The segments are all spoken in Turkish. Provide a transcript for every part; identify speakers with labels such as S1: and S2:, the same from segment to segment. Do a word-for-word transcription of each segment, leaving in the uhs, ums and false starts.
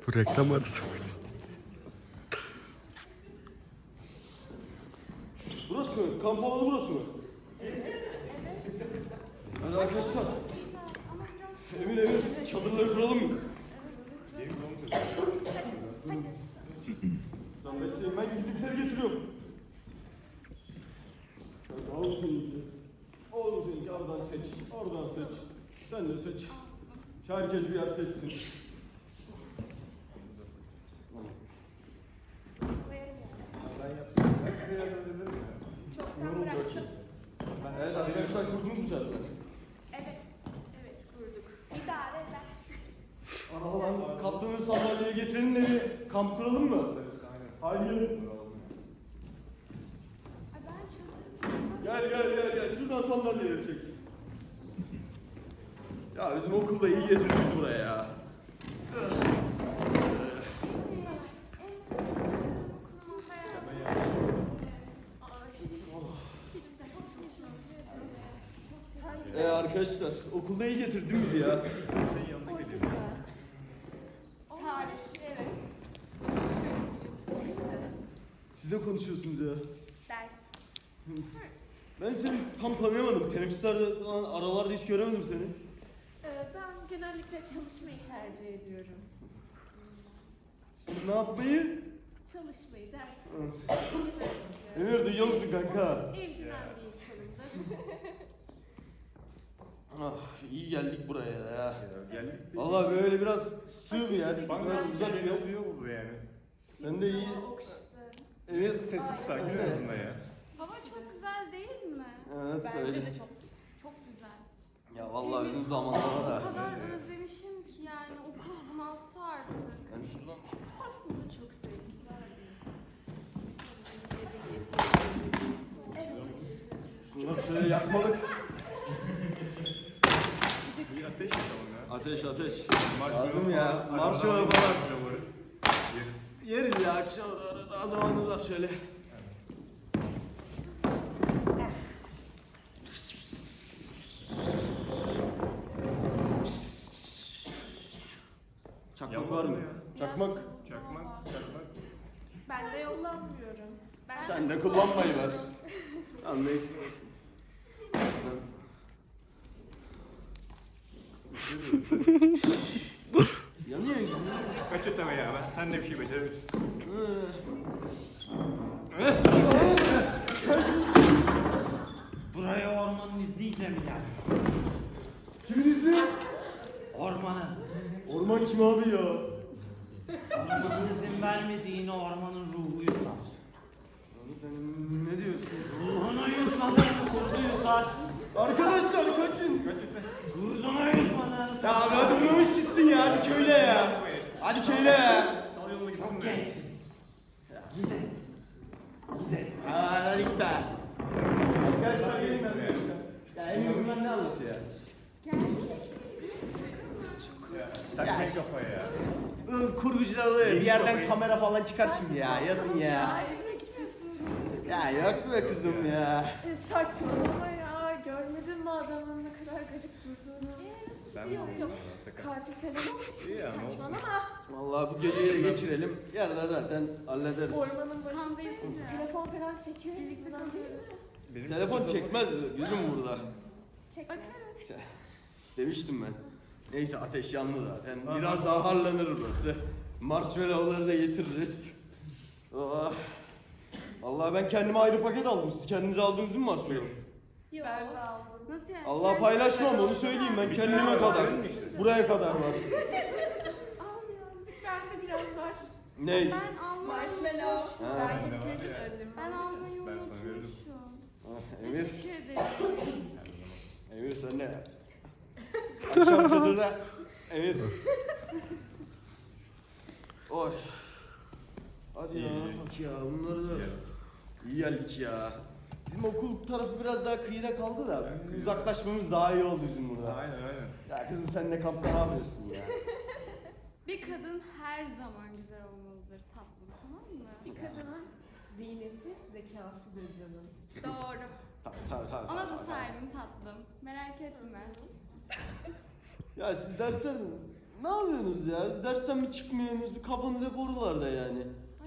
S1: Bu reklam arası mıydı?
S2: Burası mı? Kamp alanı burası mı? Evet. Hadi arkadaşlar. Emir Emir çadırları kuralım mı? Lan bekleyin ben gidipleri getiriyorum. Al bu seninki. Al bu seninki oradan seç. Oradan seç. Sen de seç. Herkes bir yer seçsin.
S3: Çoktan bıraktım.
S2: Evet arkadaşlar kurdunuz mu çadırları?
S3: Evet, evet kurduk. İdare eder.
S2: Arabadan katlanır sandalyeyi getirelim de bir kamp kuralım mı? Haydi gelin.
S3: Ay ben çadırım.
S2: Gel gel gel gel şuradan sandalyeleri çek. Ya bizim okulda iyi getirdiniz buraya ya. Ee arkadaşlar okulda iyi getirdiniz ya.
S4: Senin yanına geliyorum.
S3: Tarih, evet.
S2: Siz de konuşuyorsunuz ya.
S3: Ders.
S2: Ben seni tam tanıyamadım. Teneffüslerde falan aralarda hiç göremedim seni.
S5: Ee, ben genellikle çalışmayı tercih ediyorum.
S2: Sen ne yapmayı?
S5: Çalışmayı, ders
S2: Hı.
S5: çalışmayı.
S2: Emir duyuyor musun kanka?
S5: Evcimen bir insanımdır.
S2: Ah iyi geldik buraya ya.
S4: Ya, geldik.
S2: Vallahi böyle biraz sığ bir yer.
S4: Bana
S2: Böyle
S4: güzel
S2: uzak bir
S4: bir
S2: yer.
S4: oluyor burada yani.
S2: Ben de iyi.
S5: Hava okşadı.
S2: Emir
S4: Sessiz sakin en azından ya.
S3: Hava çok güzel değil mi?
S2: Evet
S3: Bence
S2: söyle.
S3: de çok çok güzel.
S2: Ya vallahi bizim
S3: Temiz
S2: zamanlarda
S3: hava.
S2: da.
S3: O kadar özlemişim ki yani okul bunalttı artık.
S2: Yani şuradan
S5: Aslında çok sevgiler
S2: şunları şöyle yakmalık.
S4: Bir ateş yakalım ya.
S2: Ateş ateş.
S4: Marshmallow
S2: Lazım ya.
S4: falan,
S2: Marshmallow
S4: arabada
S2: falan.
S4: marshmallow Yeriz.
S2: Yeriz ya akşam da daha zamanımız var şöyle. Çakmak
S4: Yapma
S2: var mı?
S4: ya.
S2: Çakmak.
S4: Çakmak, çakmak.
S5: Ben de yollanmıyorum.
S3: Ben
S2: Sen de kullanmayı ver. Tamam neyse. Yanıyor yanıyor.
S4: Kaç öteme ya ben. Sen de bir şey becerebilirsin.
S6: Buraya ormanın izniyle mi geldiniz?
S2: Kimin izni?
S6: Ormanın.
S2: Orman kim abi ya?
S6: Ormanın izin vermediğini ormanın ruhu yutar.
S2: Abi sen ne diyorsun?
S6: Ruhunu yutmadan kurdu yutar.
S2: Arkadaşlar kaçın.
S6: Kurdunu yutmadan.
S2: Ya abi hadi bulamış gitsin ya. Hadi köyle ya. Hadi köyle ya.
S4: Sal yoluna gitsin
S6: Çok
S4: de.
S6: gençsiniz. Gidin. Gidin.
S2: Aa hadi git be. Arkadaşlar gelin arkadaşlar. Ya Emre bunlar ne anlatıyor ya?
S4: Takmayın kafaya ya.
S2: Iı, Kurgucular oluyor ya, bir yerden kamera falan çıkar şimdi ya. Yatın ya.
S5: Ay evet istiyorsun.
S2: Ya yok be kızım ya.
S5: E, saçmalama ya. Görmedin mi adamın ne kadar garip durduğunu?
S4: Ben
S5: Yok yok.
S4: Takım.
S5: Katil falan olmuşsun.
S4: İyi ya, ne olsun.
S5: Saçmalama.
S2: Vallahi bu geceyi de geçirelim. Yarın da zaten hallederiz.
S5: Ormanın başındayız.
S3: Kampüs ya.
S5: Telefon falan çekiyor.
S3: Birlikte
S5: izin
S3: kalıyoruz.
S5: alıyoruz.
S4: Benim
S2: Telefon
S4: çadırda-
S2: çekmez gülüm burada.
S5: Çek.
S3: Bakarız.
S2: Demiştim ben. Neyse ateş yandı zaten.
S4: Tamam.
S2: Biraz daha harlanır burası. Marshmallow'ları da getiririz. Oh. Vallahi ben kendime ayrı paket aldım. Siz kendinize aldınız mı marshmallow?
S5: Yok. Ben de aldım.
S3: Nasıl yani?
S2: Allah
S3: Kendi
S2: paylaşmam
S3: başına
S2: onu söyleyeyim ben
S3: olsa-
S2: kendime kadar. Buraya kadar var.
S5: Al birazcık. Bende biraz var.
S2: Ney?
S3: Ben almayı
S5: Marshmallow.
S3: unutmuşum.
S2: Ha.
S5: Ben getirdim önüme.
S3: Ben almayı
S4: Ben sana verdim.
S3: unutmuşum.
S2: Ah, Emir,
S3: Teşekkür ederim.
S2: Emir sen ne? Akşam çadırda. Emir. Oy. Hadi ya
S4: İyi.
S2: bak ya bunları da
S4: Gel.
S2: iyi geldik ya. Bizim okul tarafı biraz daha kıyıda kaldı da
S4: Evet,
S2: bizim
S4: kıyıda.
S2: uzaklaşmamız daha iyi oldu bizim burada.
S4: Aynen aynen.
S2: Ya kızım sen de kampta ne yapıyorsun ya?
S3: Bir kadın her zaman güzel olmalıdır tatlım, tamam mı?
S5: Bir kadının ziyneti zekasıdır canım.
S3: Doğru.
S2: Tabii tabii tabii.
S3: Ona da
S2: tabii, tabii.
S3: sahibim tatlım. Merak etme.
S2: Ya siz dersler mi? Ne yapıyorsunuz ya? Dersten mi çıkmıyorsunuz? Kafanız hep oralarda yani.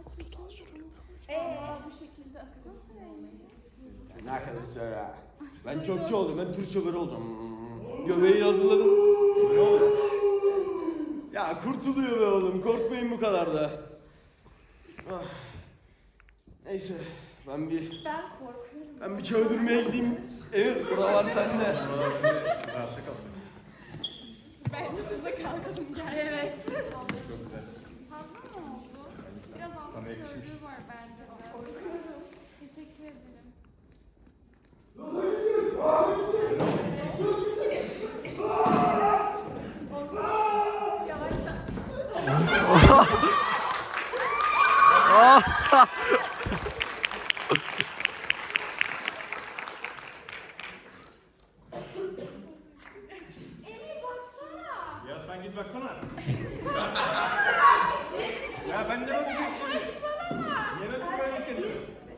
S5: Eee bu şekilde akademisyen olmayı.
S2: Ne arkadaşlar ya? Ben çöpçü oldum, ben tır şoförü olacağım. Göbeği hazırladım. Ne oluyor? Ya kurtuluyor be oğlum, korkmayın bu kadar da. Ah. Neyse, ben bir
S5: Ben korkuyorum.
S2: ben bir çöldürmeye gideyim. Evet, buralar sende.
S4: Rahatta kal.
S5: Bence biz de kalkalım gel. Evet.
S4: Çok güzel.
S3: Fazla mı oldu? Biraz altı
S4: Sana yakışmış.
S3: gördüğü var bence de.
S5: Korkuyorum.
S3: Teşekkür ederim.
S5: Yavaşla.
S3: Emir baksana.
S4: Ya sen git baksana. Ya ben de bakacağım şimdi.
S3: Saçmalama.
S4: Yemek buraya geliyor.